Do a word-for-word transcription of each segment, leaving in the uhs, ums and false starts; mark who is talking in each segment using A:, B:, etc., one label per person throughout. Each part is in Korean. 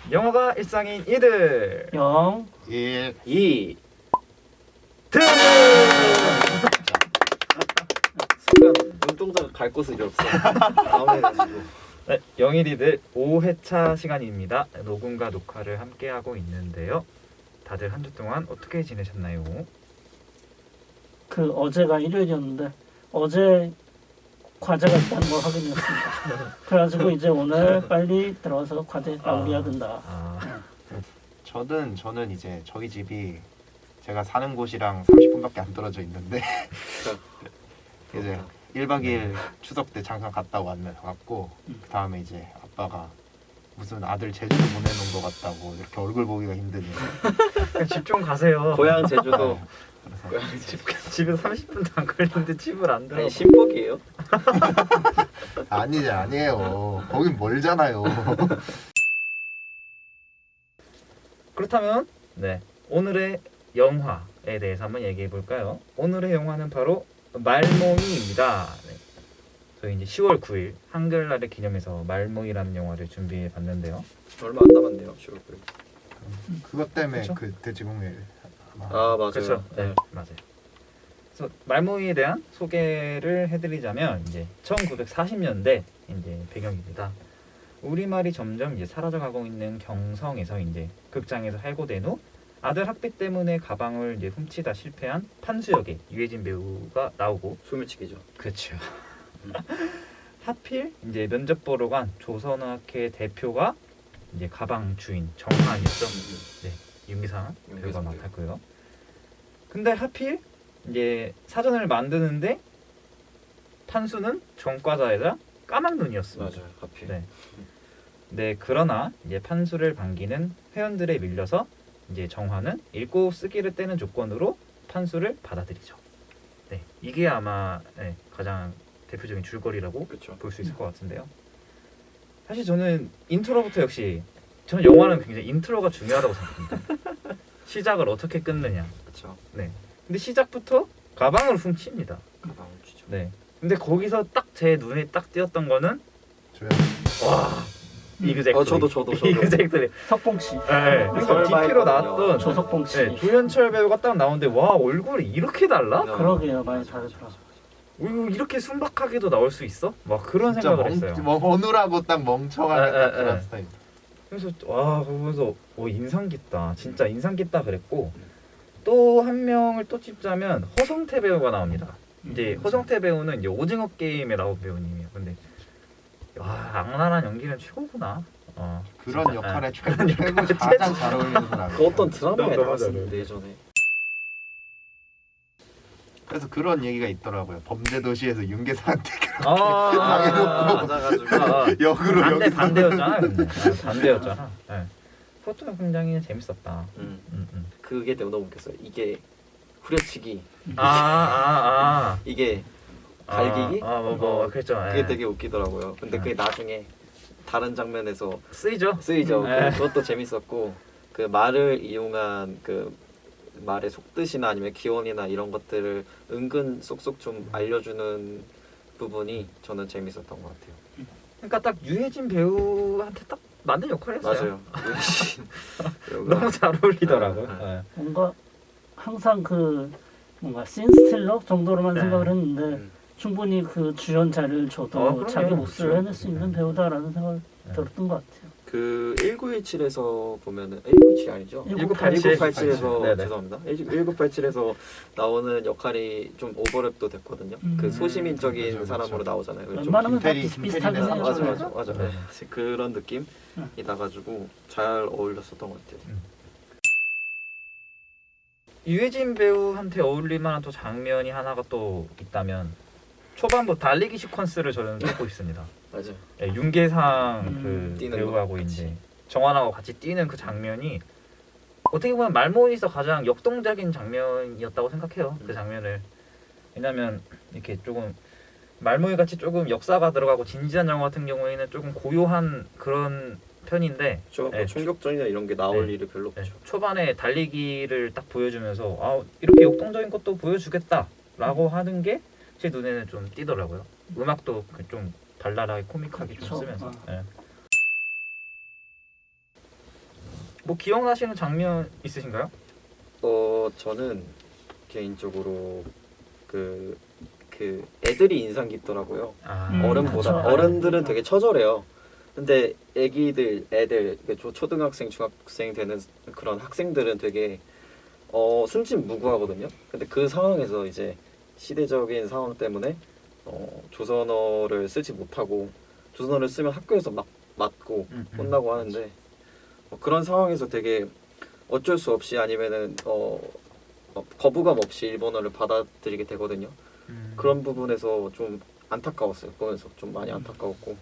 A: 영어가 일상인 이들
B: 영,
C: 일,
D: 이.
A: 드!
D: 순간 눈동자가 갈 곳을 잃었어. 다운해가지고.
A: 네, 영일이들 오 회차 시간입니다. 녹음과 녹화를 함께 하고 있는데요. 다들 한 주 동안 어떻게 지내셨나요?
B: 그 어제가 일요일이었는데 어제 과제가 있다는 걸 확인했습니다. 그래가지고 이제 오늘 빨리 들어가서 과제 마무리해야 된다.
A: 아,
C: 저는 저는 이제 저희 집이 제가 사는 곳이랑 삼십 분밖에 안 떨어져 있는데 이제 일 박 이 일 추석 때 잠깐 갔다 왔네 왔고 그 다음에 이제 아빠가 무슨 아들 제주도 보내놓은 것 같다고 이렇게 얼굴 보기가 힘드니
A: 집 좀 가세요.
D: 고향 제주도.
C: 그래서
D: 고향 집.
A: 집에 삼십 분도 안 걸리는데 집을 안 들어.
D: 아니 신복이에요?
C: 아니지 아니에요 거긴 멀잖아요.
A: 그렇다면 네 오늘의 영화에 대해서 한번 얘기해 볼까요? 오늘의 영화는 바로 말몽이입니다. 네. 저희 이제 시월 구일 한글날을 기념해서 말몽이라는 영화를 준비해 봤는데요.
D: 얼마 안 남았네요. 시월 구일.
C: 그것 때문에
A: 그쵸?
C: 그 돼지공일 아마
D: 아 맞아요.
A: 그렇죠. 네, 맞아요. 그래서 말몽이에 대한 소개를 해드리자면 이제 천구백사십 년대 이제 배경입니다. 우리말이 점점 이제 사라져가고 있는 경성에서 이제 극장에서 해고된 후 아들 학비 때문에 가방을 이제 훔치다 실패한 판수 역의 유해진 배우가 나오고
D: 소매치기죠.
A: 그렇죠. 하필 이제 면접 보러 간 조선학회 대표가 이제 가방 주인 정한이었죠. 네, 윤기상 배우가
D: 윤기상 배우.
A: 맡았고요. 근데 하필 이제 사전을 만드는데 판수는 전과자이자 까막눈이었습니다.
D: 맞아요. 하필.
A: 네. 네, 그러나 이제 판수를 반기는 회원들에 밀려서 이제 정화는 읽고 쓰기를 떼는 조건으로 판수를 받아들이죠. 네, 이게 아마 네, 가장 대표적인 줄거리라고
D: 그렇죠.
A: 볼 수 있을 것 같은데요. 사실 저는 인트로부터 역시 저는 영화는 굉장히 인트로가 중요하다고 생각합니다. 시작을 어떻게 끊느냐.
D: 그렇죠.
A: 네. 근데 시작부터 가방을 훔칩니다.
D: 가방 훔치죠.
A: 네. 근데 거기서 딱 제 눈에 딱 띄었던 거는
C: 조용.
A: 와 이그젝트리.
D: 어, 저도, 저도, 저도.
A: 이그젝트리.
B: 석봉 씨,
A: 네. 그래서
D: 설마
A: 디피로
D: 했거든요.
A: 나왔던
B: 조석봉 씨.
A: 네, 조현철 배우가 딱 나오는데 와 얼굴이 이렇게 달라?
B: 그러게요, 많이 다르더라.
A: 어, 이거 이렇게 순박하게도 나올 수 있어? 막 그런
C: 진짜
A: 생각을
C: 멍,
A: 했어요.
C: 뭐 어눌하고 딱 멍청하게
A: 에,
C: 딱
A: 에,
C: 그런
A: 에.
C: 스타일.
A: 그래서 와 보면서 오 인상 깊다. 진짜 인상 깊다 그랬고 또 한 명을 또 찝자면 허성태 배우가 나옵니다. 이제 허성태 배우는 이제 오징어 게임에 나온 배우님이에요. 근데 와 악랄한 연기는 최고구나. 어,
C: 그런
A: 진짜,
C: 역할에
A: 예.
C: 최고 최고 가장 잘 어울리는 사람.
D: 그 어떤 드라마에
A: 너무
D: 나왔었는데 예전에.
C: 그래서 그런 얘기가 있더라고요. 범죄도시에서 윤계상한테
A: 아,
D: 맞아가지고.
A: 아,
C: 역으로
A: 반대
C: 여기서
A: 반대였잖아. 근데 아, 반대였잖아. 네. 그것도 굉장히 재밌었다.
D: 음.
A: 음, 음.
D: 그게 너무 웃겼어요. 이게 후려치기.
A: 아, 아, 아.
D: 이게 갈기기?
A: 아, 뭐, 뭐,
D: 어,
A: 그랬죠.
D: 그게
A: 예.
D: 되게 웃기더라고요. 근데 그게 나중에 다른 장면에서
A: 쓰이죠.
D: 쓰이죠.
A: 네.
D: 그- 그것도 재밌었고 그 말을 이용한 그 말의 속뜻이나 아니면 기원이나 이런 것들을 은근 쏙쏙 좀 알려주는 부분이 저는 재밌었던 것 같아요.
A: 그러니까 딱 유해진 배우한테 딱 맞는 역할이었어요.
D: 맞아요. 유해진 배우가
A: 너무 잘 어울리더라고요.
D: 네, 네.
A: 예.
B: 뭔가 항상 그 뭔가 씬스틸러 정도로만
A: 네.
B: 생각을 했는데
D: 음.
B: 충분히 그 주연 자리를 줘도
A: 어, 그럼요.
B: 자기 몫을
A: 그렇죠.
B: 해낼 수 있는 배우다라는 생각을
A: 네.
B: 들었던 것 같아요.
D: 그 천구백십칠에서 보면은 천구백십칠 아니죠?
A: 천구백팔십칠.
D: 천구백팔십칠에서
A: 네네.
D: 죄송합니다. 천구백팔십칠에서 나오는 역할이 좀 오버랩도 됐거든요.
B: 음.
D: 그 소시민적인
C: 그렇죠,
D: 사람으로
C: 그렇죠.
D: 나오잖아요. 그래서 좀
B: 웬만하면 다
C: 김태리,
B: 비슷비슷하게
C: 김태리네.
D: 맞아
B: 생각해요.
D: 맞아 맞아.
A: 네.
D: 네. 그런 느낌이
B: 응.
D: 나가지고 잘 어울렸었던 것 같아요.
A: 유해진 배우한테 어울릴 만한 또 장면이 하나가 또 있다면 초반부 달리기 시퀀스를 저는 찍고 있습니다.
D: 맞아.
A: 예, 윤계상
B: 음,
A: 그
D: 뛰는
A: 배우하고
D: 거 같이.
A: 이제 정환하고 같이 뛰는 그 장면이 어떻게 보면 말모에서 가장 역동적인 장면이었다고 생각해요. 그
D: 음.
A: 장면을. 왜냐면 이렇게 조금 말모이 같이 조금 역사가 들어가고 진지한 영화 같은 경우에는 조금 고요한 그런 편인데
D: 저
A: 네,
D: 총격전이나 이런 게 나올
A: 네.
D: 일이 별로
A: 네,
D: 없죠.
A: 초반에 달리기를 딱 보여주면서 아 이렇게 역동적인 것도 보여주겠다라고 하는 게 제 눈에는 좀 띄더라고요. 음악도 좀 발랄하게 코믹하게 좀
B: 그쵸.
A: 쓰면서.
B: 어.
A: 예. 뭐 기억나시는 장면 있으신가요?
D: 어 저는 개인적으로 그, 그 애들이 인상 깊더라고요.
A: 아,
B: 음,
D: 어른보다
B: 그쵸.
D: 어른들은 되게 처절해요. 근데 애기들, 애들, 그 초- 초등학생, 중학생 되는 그런 학생들은 되게 어, 순진무구하거든요. 근데 그 상황에서 이제 시대적인 상황 때문에 어, 조선어를 쓰지 못하고 조선어를 쓰면 학교에서 막 맞고
A: 음, 음.
D: 혼나고 하는데 어, 그런 상황에서 되게 어쩔 수 없이 아니면은 어, 어, 거부감 없이 일본어를 받아들이게 되거든요.
A: 음.
D: 그런 부분에서 좀 안타까웠어요. 보면서 좀 많이 안타까웠고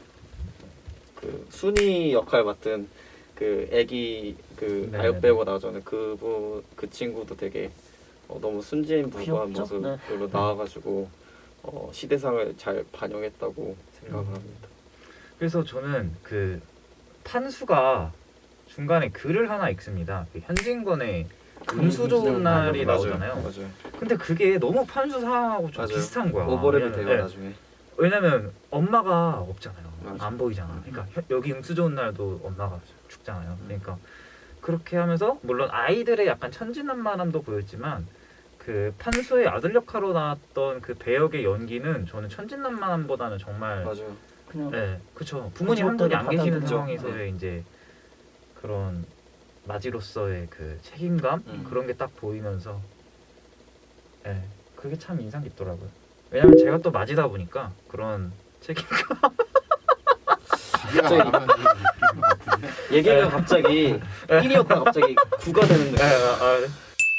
D: 그 순이 역할 맡은 그 애기 그
A: 네네네.
D: 아역 나오잖아요. 그분 그 친구도 되게 어, 너무 순진무구한
B: 귀엽죠?
D: 모습으로
B: 네.
D: 나와가지고 어, 시대상을 잘 반영했다고 생각을
A: 음.
D: 합니다.
A: 그래서 저는 그 판수가 중간에 글을 하나 읽습니다. 그 현진건의 금수 좋은 날이
C: 맞아요.
A: 나오잖아요.
D: 맞아요.
A: 근데 그게 너무 판수 상황하고 좀
D: 맞아요.
A: 비슷한 거야.
D: 오버랩이
A: 왜냐면,
D: 돼요
A: 네.
D: 나중에.
A: 왜냐면 엄마가 없잖아요.
D: 맞아요.
A: 안 보이잖아. 그러니까 혀- 여기 음수 좋은 날도 엄마가 죽잖아요. 그러니까 그렇게 하면서 물론 아이들의 약간 천진난만함도 보였지만 그 판수의 아들 역할로 나왔던 그 배역의 연기는 저는 천진난만함보다는 정말
D: 맞아요.
B: 그냥
A: 네, 그렇죠. 부모님 한 분이 안 계시는
B: 받아들여.
A: 상황에서의 이제 그런 마지로서의 그 책임감
D: 음.
A: 그런 게 딱 보이면서, 네, 그게 참 인상 깊더라고요. 왜냐면 제가 또 마지다 보니까 그런 책임감.
C: 자기가
D: 갑자기-
C: 말하면 느끼는 것 같은데.
D: 얘기가 갑자기 일이었다가 갑자기 구가 되는 느낌.
A: 네, 아, 네.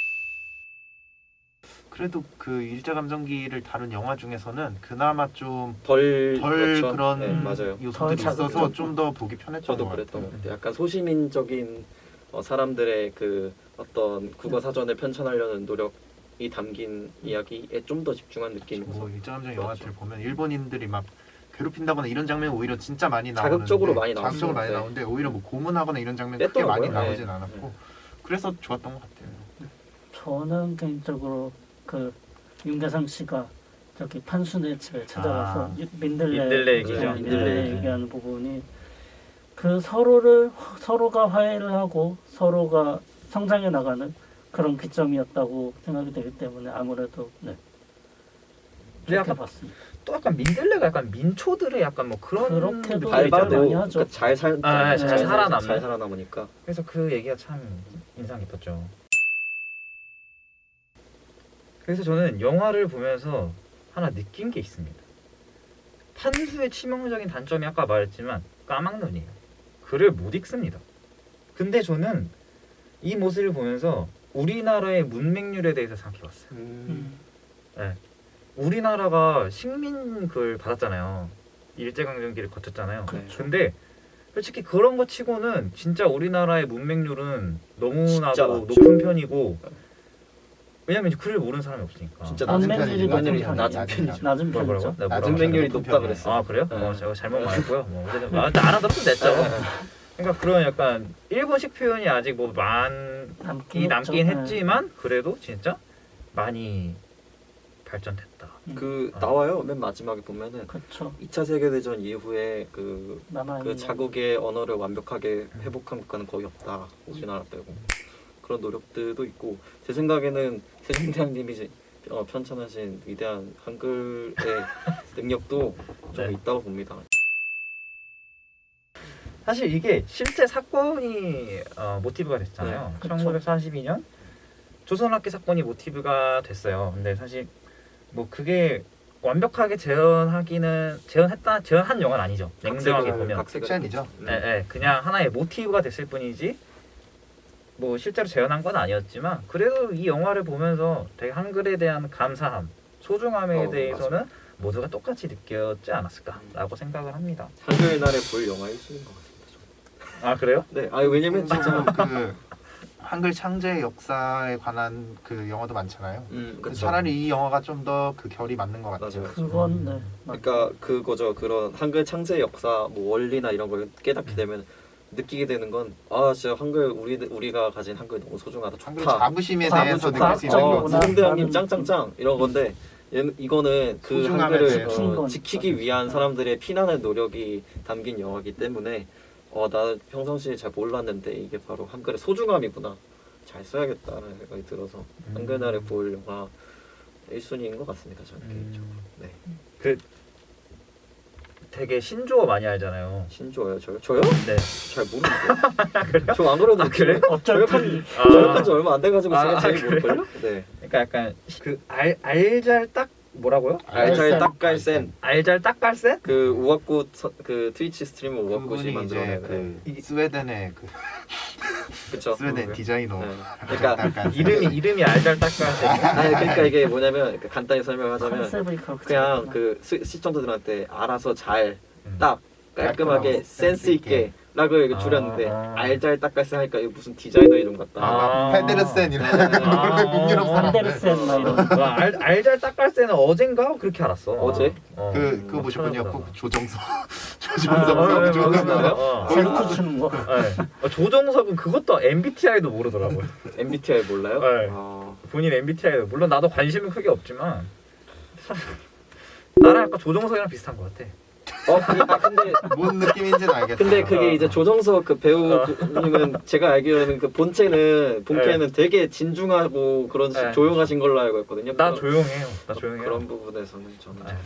C: 그래도 그 일제감정기를 다룬 영화 중에서는 그나마 좀
D: 덜
C: 덜
D: 그렇죠.
C: 그런
D: 네, 맞아요.
C: 요소들이
B: 덜
C: 있어서
B: 자극적이고.
C: 좀 더 보기 편했던
D: 저도
C: 것
D: 그랬던
C: 같아요.
D: 것 같아요. 약간 소시민적인 어, 사람들의 그 어떤 국어 사전을 편찬하려는 노력이 담긴 이야기에 좀 더 집중한 느낌이어서
C: 뭐 일제감정
D: 그렇죠.
C: 영화들 보면 일본인들이 막 괴롭힌다거나 이런 장면 오히려 진짜 많이 나오는데
D: 자극적으로 많이
C: 자극적으로
D: 나왔어요.
C: 많이
D: 네.
C: 나오는데 오히려 뭐 고문하거나 이런 장면 크게
D: 뺐더라고요.
C: 많이 나오진
D: 네.
C: 않았고 그래서 좋았던 것 같아요.
B: 저는 개인적으로 그 윤계상 씨가 저기 판순의 집에 찾아가서
A: 아,
B: 유- 민들레
A: 민들레
D: 얘기죠.
B: 네,
D: 민들레
B: 민들레
D: 얘기.
B: 얘기하는 부분이 그 서로를 서로가 화해를 하고 서로가 성장해 나가는 그런 기점이었다고 생각이 되기 때문에 아무래도 네.
A: 근데
B: 좋게
A: 약간
B: 봤습니다.
A: 또 약간 민들레가 약간 민초들의 약간 뭐 그런
B: 그렇게도
A: 느낌이
B: 발-
A: 있잖아요.
B: 많이
D: 밟아도
B: 하죠.
D: 그러니까 잘 살,
A: 아,
B: 잘
A: 살아남는?
D: 잘 살아남으니까.
A: 그래서 그 얘기가 참 인상 깊었죠. 그래서 저는 영화를 보면서 하나 느낀 게 있습니다. 판수의 치명적인 단점이 아까 말했지만 까막눈이에요. 글을 못 읽습니다. 근데 저는 이 모습을 보면서 우리나라의 문맹률에 대해서 생각해봤어요.
B: 음.
A: 네. 우리나라가 식민을 받았잖아요. 일제강점기를 거쳤잖아요.
D: 그렇죠.
A: 근데 솔직히 그런 거 치고는 진짜 우리나라의 문맹률은
D: 진짜
A: 너무나도
D: 낮죠.
A: 높은 편이고, 왜냐면 이제 글을 모르는 사람이 없으니까.
D: 진짜
C: 낮은
B: 문맹률이
C: 편이지,
B: 낮은
D: 낮은
B: 편이죠.
D: 낮은
C: 낮은
D: 편이죠.
B: 낮은
A: 뭐라- 뭐라고요?
B: 편이죠.
A: 네, 뭐라고
C: 낮은
D: 문맹률이
C: 높은
D: 높다
C: 편이에요.
D: 그랬어.
A: 아 그래요?
D: 네.
A: 어, 제가 잘못 말했고요. 뭐 어쨌든 아, 알아들었으면 됐죠. 그러니까 그런 약간 일본식 표현이 아직 뭐 많이
B: 남긴,
A: 남긴
B: 했죠.
A: 했지만 그래도 진짜 많이 발전됐다.
D: 그
A: 아.
D: 나와요. 맨 마지막에 보면은
B: 그렇죠.
D: 이 차 세계대전 이후에 그,
B: 남아
D: 그 자국의 언어를 완벽하게 회복한 국가는 거의 없다. 우리나라 빼고. 그런 노력들도 있고 제 생각에는 세종대왕님이 이제, 어, 편찬하신 위대한 한글의 능력도 좀
A: 네.
D: 있다고 봅니다.
A: 사실 이게 실제 사건이 어, 모티브가 됐잖아요.
B: 네, 그쵸.
A: 천구백사십이 년 조선학기 사건이 모티브가 됐어요. 근데 사실 뭐 그게 완벽하게 재현하기는 재현했다 재현한 영화는 아니죠. 냉정하게
D: 각색을-
A: 보면,
D: 각색을
C: 픽션이죠.
D: 했겠죠.
A: 네, 네, 그냥 하나의 모티브가 됐을 뿐이지 뭐 실제로 재현한 건 아니었지만 그래도 이 영화를 보면서 되게 한글에 대한 감사함, 소중함에
D: 어,
A: 대해서는 모두가 똑같이 느꼈지 않았을까라고 생각을 합니다.
D: 한글날에 볼 영화 일 순위인 것 같습니다. 저는.
A: 아 그래요?
D: 네, 아 왜냐면 진짜
C: 그 한글 창제 역사에 관한 그 영화도 많잖아요.
D: 음,
C: 그
D: 그쵸.
C: 차라리 이 영화가 좀 더 그 결이 맞는 것 같아요.
D: 맞아요.
B: 그건 네. 맞-
D: 그러니까 그거죠. 그런 한글 창제 역사 뭐 원리나 이런 걸 깨닫게 되면 느끼게 되는 건 아 진짜 한글 우리 우리가 가진 한글 너무 소중하다.
C: 한글
D: 좋다.
C: 자부심에
B: 과학-
C: 대해서 느낄 수 있는
B: 과학적이구나.
C: 거.
B: 나-
D: 세종대왕님
B: 나는-
D: 짱짱짱 이런 건데 얘는 이거는 그
C: 소중함에
D: 한글을
C: 대해서.
D: 어,
B: 거니까.
D: 지키기 위한 사람들의 피난의 노력이 담긴 영화이기 때문에 어, 나 평상시에 잘 몰랐는데 이게 바로 한글의 소중함이구나. 잘 써야겠다라는 생각이 들어서
A: 음.
D: 한글날에 볼 영화 일 순위인 것 같습니다. 저는
A: 음.
D: 개인적으로. 네.
A: 그 되게 신조어 많이 알잖아요.
D: 신조어요, 저요? 저요?
A: 네.
D: 잘 모르는데. 저 안 그래도
A: 아, 그래요?
B: 어쩔
A: 아.
D: 저역한 지 얼마 안 돼가지고 제가
A: 아,
D: 제일
A: 그래요?
D: 모를걸요? 네.
A: 그러니까 약간 그 알 알잘 딱 뭐라고요?
D: 알잘
B: 알센.
D: 딱갈센
A: 알잘 딱갈센?
D: 그 우악꽃 서- 그 트위치 스트리머 우악꽃이
C: 그분이 이제
D: 만들어낸
C: 그
A: 이-
C: 스웨덴의 그
D: 그쵸.
C: 스웨덴
A: 그거요?
C: 디자이너
D: 네. 그러니까
C: 약간
A: 이름이 이름이 알잘 딱갈센.
D: 아니 그러니까 이게 뭐냐면 그 간단히 설명하자면
B: 컨셉이 그렇게
D: 그냥
B: 잡았구나.
D: 그 시- 시청자들한테 알아서 잘
A: 음.
D: 딱 깔끔하게
C: 깔끔하고
D: 센스 있게 라고 이렇게
A: 아,
D: 줄였는데
A: 아.
D: 알잘 딱갈센 하니까 이거 무슨 디자이너 이름 같다.
A: 아.
C: 페데르센 이런
A: 아.
C: 북유럽 사람들
B: 안데르센 막 이런.
A: 와, 알 알잘 딱갈센은 어젠가 그렇게 알았어.
D: 어제?
A: 어.
C: 그 그거
A: 막
C: 보셨군요.
A: 찾아보다가.
C: 그 조정석
A: 아,
C: 조정석
A: 어, 어,
C: 조정석
A: 어, 어, 어.
B: 셀프 추는 거.
A: 네. 어, 조정석은 그것도 엠비티아이도 모르더라고요.
D: 엠비티아이 몰라요?
A: 네.
D: 아,
A: 본인 엠비티아이도 물론 나도 관심은 크게 없지만 나랑 약간 조정석이랑 비슷한 것 같아.
D: 어, 그- 아, 근데
C: 뭔 느낌인지는 알겠어요.
D: 근데 그게 이제 조정석 그
A: 어.
D: 배우님은 제가 알기로는 그 본체는 본캐는 되게 진중하고 그런 식
A: 네.
D: 조용하신 걸로 알고 있거든요.
A: 나
D: 그런-
A: 조용해요. 나 조용해요.
D: 그런 부분에서는 저는 잘
A: 네.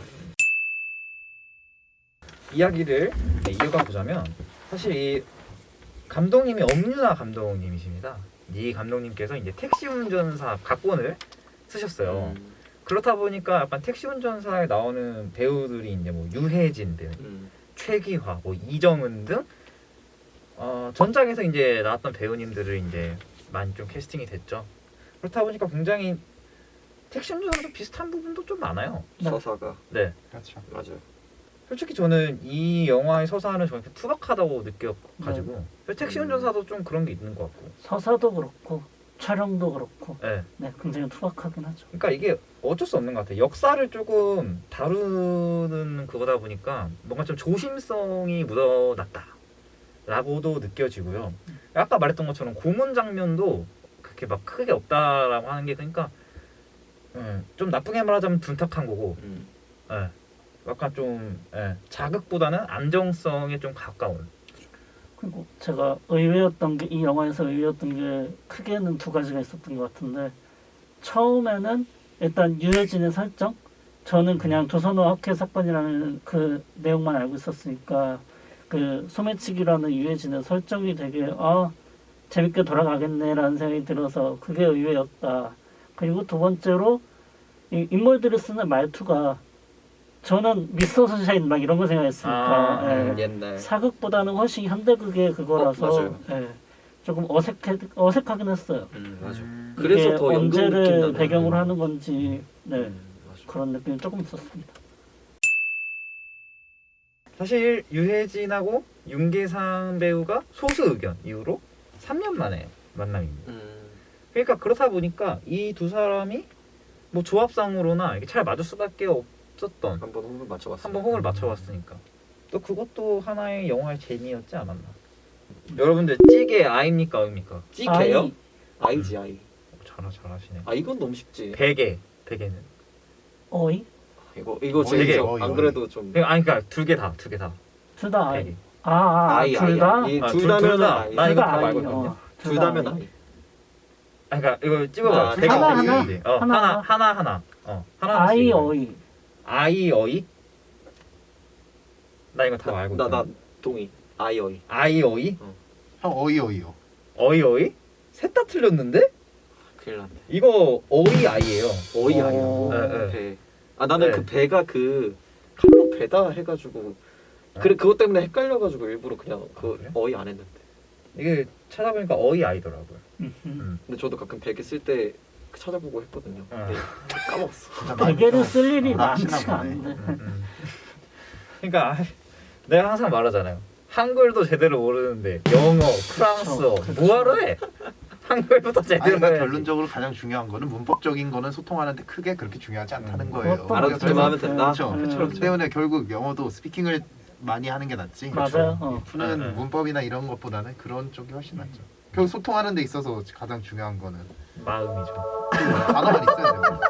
A: 이야기를 네, 이어가 보자면 사실 이 감독님이 엄윤아 감독님이십니다. 이 감독님께서 이제 택시 운전사 각본을 쓰셨어요.
D: 음,
A: 그렇다 보니까 약간 택시 운전사에 나오는 배우들이 이제 뭐 유해진 배우,
D: 음,
A: 최기화, 뭐 이정은 등 어, 전작에서 이제 나왔던 배우님들을 이제 많이 좀 캐스팅이 됐죠. 그렇다 보니까 굉장히 택시 운전사랑 비슷한 부분도 좀 많아요.
B: 네.
D: 서사가
A: 네.
C: 그렇죠.
D: 맞아요.
A: 솔직히 저는 이 영화의 서사는 저는 투박하다고 느껴가지고 택시
D: 음.
A: 운전사도 좀 그런 게 있는 것 같고.
B: 서사도 그렇고 촬영도 그렇고
A: 네.
B: 네 굉장히 투박하긴 하죠.
A: 그러니까 이게 어쩔 수 없는 것 같아요. 역사를 조금 다루는 그거다 보니까 뭔가 좀 조심성이 묻어났다라고도 느껴지고요. 아까 말했던 것처럼 고문 장면도 그렇게 막 크게 없다라고 하는 게 그러니까 음, 좀 나쁘게 말하자면 둔탁한 거고,
D: 음.
A: 예, 약간 좀 예, 자극보다는 안정성에 좀 가까운.
B: 그리고 제가 의외였던 게 이 영화에서 의외였던 게 크게는 두 가지가 있었던 것 같은데 처음에는 일단 유해진의 설정 저는 그냥 조선어 학회 사건이라는 그 내용만 알고 있었으니까 그 소매치기라는 유해진의 설정이 되게 아 재밌게 돌아가겠네라는 생각이 들어서 그게 의외였다. 그리고 두 번째로 이 인물들이 쓰는 말투가 저는 미스터 선샤인 막 이런 거 생각했으니까
A: 아,
B: 예.
D: 옛날
B: 사극보다는 훨씬 현대극의 그거라서
D: 어, 맞아요.
B: 예, 조금 어색해 어색하긴 했어요.
D: 음, 맞아요.
A: 음,
D: 그래서
B: 이게
D: 더 연극 느낌
B: 언제를
D: 나는
B: 배경으로
D: 거.
B: 하는 건지 네,
D: 음, 맞아요.
B: 그런 느낌이 조금 있었습니다.
A: 사실 유해진하고 윤계상 배우가 소수 의견 이후로 삼 년 만에 만남입니다.
D: 음,
A: 그러니까 그렇다 보니까 이 두 사람이 뭐 조합상으로나 이게 잘 맞을 수밖에 없었던
D: 한번 호흡을 맞춰봤어요.
A: 한번 호흡을 맞춰봤으니까 또 그것도 하나의 영화의 재미였지 않았나. 여러분들 찌개 아입니까 의입니까?
D: 찌개요?
B: 아이,
D: 아이지 아이.
A: 오, 잘하 잘하시네.
D: 아 이건 너무 쉽지.
A: 베개 베개는
B: 어이
D: 이거 이거
C: 어이,
D: 제일
C: 어이,
D: 안
C: 어이.
D: 그래도 좀
A: 그러니까 아니 그러니까 두 개 다 두 개 다
B: 둘 다 아이.
A: 베개.
B: 아, 아,
D: 아이
B: 둘 다?
D: 아이.
A: 아,
D: 둘
A: 둘
D: 다면
A: 다.
D: 아이.
A: 나
B: 둘
A: 이거
B: 다
A: 다
B: 아이.
A: 알고 있거든요.
B: 어,
D: 둘
B: 다
D: 다면
B: 아이.
D: 아이.
A: 아니 그러니까 이거 찝어봐요.
D: 아,
A: 베개
B: 하나,
A: 어떻게
B: 하나?
A: 쓰는지. 어,
B: 하나,
A: 하나
B: 하나?
A: 하나 하나 어 하나
B: 아이 어이.
A: 아이 어이 나 이거 다 알고 있어.
D: 나나 동의. 아이 어이.
A: 아이 어이
C: 형 어이 어이요.
A: 어이 어이 셋 다 틀렸는데
D: 큰일 났네.
A: 이거 어이 아이예요.
D: 어이
B: 어.
D: 아이라고.
A: 네, 네.
D: 배. 아 나는
A: 네.
D: 그 배가 그 칼로 배다 해가지고 그래 그것 때문에 헷갈려가지고 일부러 그냥 그
A: 아, 그래?
D: 어이 안 했는데.
A: 이게 찾아보니까 어이 아이더라고요.
B: 음흠.
A: 음.
D: 근데 저도 가끔 베개 쓸 때 찾아보고 했거든요.
A: 어.
D: 근데 까먹었어.
C: 진짜 많이
B: 베개를
C: 좀
B: 쓸 일이
C: 나시나
B: 많지가
C: 보네.
B: 않은데.
A: 음, 음. 그러니까 아, 내가 항상 말하잖아요. 한글도 제대로 모르는데 영어, 프랑스어
B: 그쵸, 그쵸.
A: 뭐하러 해? 한글부터
C: 아니
A: 제대로
C: 그러니까
A: 해야지.
C: 결론적으로 가장 중요한 거는 문법적인 거는 소통하는데 크게 그렇게 중요하지 않다는
A: 음.
C: 거예요.
B: 그것도
D: 알아듣기만
B: 맞아요.
D: 하면 된다.
C: 그렇죠.
B: 음.
C: 그렇기 때문에 결국 영어도 스피킹을 많이 하는 게 낫지.
B: 맞아요. 어.
C: 푸는
A: 네, 네.
C: 문법이나 이런 것보다는 그런 쪽이 훨씬 낫죠. 결국 소통하는 데 있어서 가장 중요한 거는
A: 마음이죠.
C: 단어만 있어야 돼요.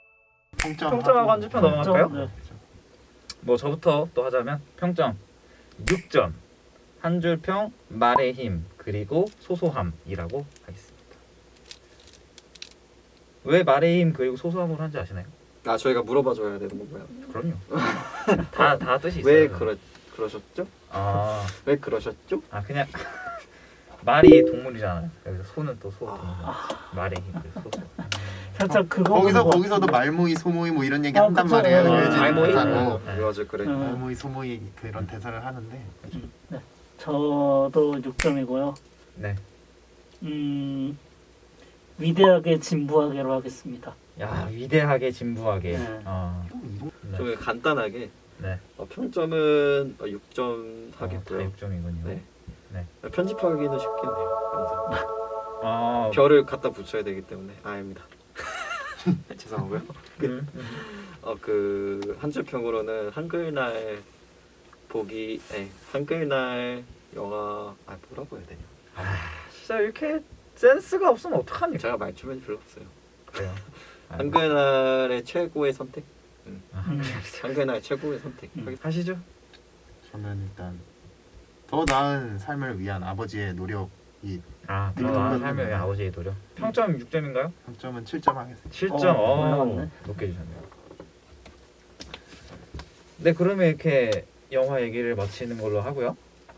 C: 평점
A: 평점하고 한 줄평 넘어갈까요?
B: 네.
A: 뭐 저부터 또 하자면 평점 육 점. 한 줄평 말의 힘 그리고 소소함이라고 하겠습니다. 왜 말의 힘 그리고 소소함으로 한지 아시나요?
D: 아 저희가 물어봐줘야 되는 건가요?
A: 그럼요. 다 다 뜻이 있어요.
D: 왜 그러 그러셨죠?
A: 아,
D: 왜 그러셨죠?
A: 아 그냥 말이 동물이잖아요. 그래서 소는 또 소.
D: 아.
A: 말의 힘 그리고 소소.
B: 살짝 그거
C: 거기서
B: 보는 것
C: 거기서도
B: 같은데.
C: 말모이 소모이 뭐 이런 얘기
B: 아,
C: 한단
B: 그쵸.
C: 말이에요.
B: 아,
C: 유해진
A: 말모이.
C: 대사로.
D: 어,
A: 네.
D: 맞아 그래.
B: 음.
C: 말모이 소모이 그런 대사를 하는데
B: 네. 저도 육 점이고요.
A: 네.
B: 음, 위대하게 진부하게로 하겠습니다.
A: 야 위대하게 진부하게.
B: 네.
A: 어, 네.
D: 좀 간단하게
A: 네.
D: 어, 평점은 어, 육 점
A: 어, 다
D: 하겠고요.
A: 육 점이군요.
D: 네.
A: 네.
D: 편집하기는 쉽겠네요. 영상.
A: 아,
D: 별을 갖다 붙여야 되기 때문에 아닙니다. 죄송하고요.
A: 음, 음.
D: 어그 한 줄 평으로는 한글날 보기, 네, 한글날 영화 아 뭐라고 해야 되냐?
A: 진짜 이렇게 센스가 없으면 어떡합니까?
D: 제가 말주변이 별로 없어요.
A: 그래요. 아이고.
D: 한글날의 최고의 선택.
A: 아,
B: 음.
D: 한글날 최고의 선택.
B: 음.
D: 하겠습니다.
A: 하시죠.
C: 저는 일단 더 나은 삶을 위한 아버지의 노력이
A: 아,
C: 네,
A: 더 나은
C: 네,
A: 삶을
C: 네.
A: 위한 아버지의 노력. 평점 육 점인가요?
C: 평점은 칠 점 하겠습니다.
A: 칠 점.
B: 어,
A: 어,
B: 올라갔네.
A: 높게 주셨네요. 네, 그러면 이렇게 영화 얘기를 마치는 걸로 하고요.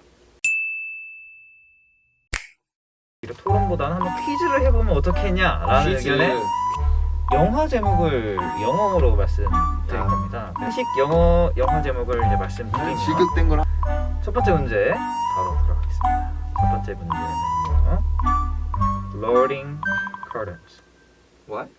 A: 이렇게 토론보다는 한번 퀴즈를 해보면 어떻겠냐라는
D: 퀴즈.
A: 의견에 영화 제목을 영어로 말씀드릴
D: 아.
A: 겁니다. 공식 영어 영화 제목을 이제 말씀드리면
C: 지극된 걸 하-
A: 첫 번째 문제 바로 들어가겠습니다. 첫 번째 문제는요. Loading Curtains.
D: What?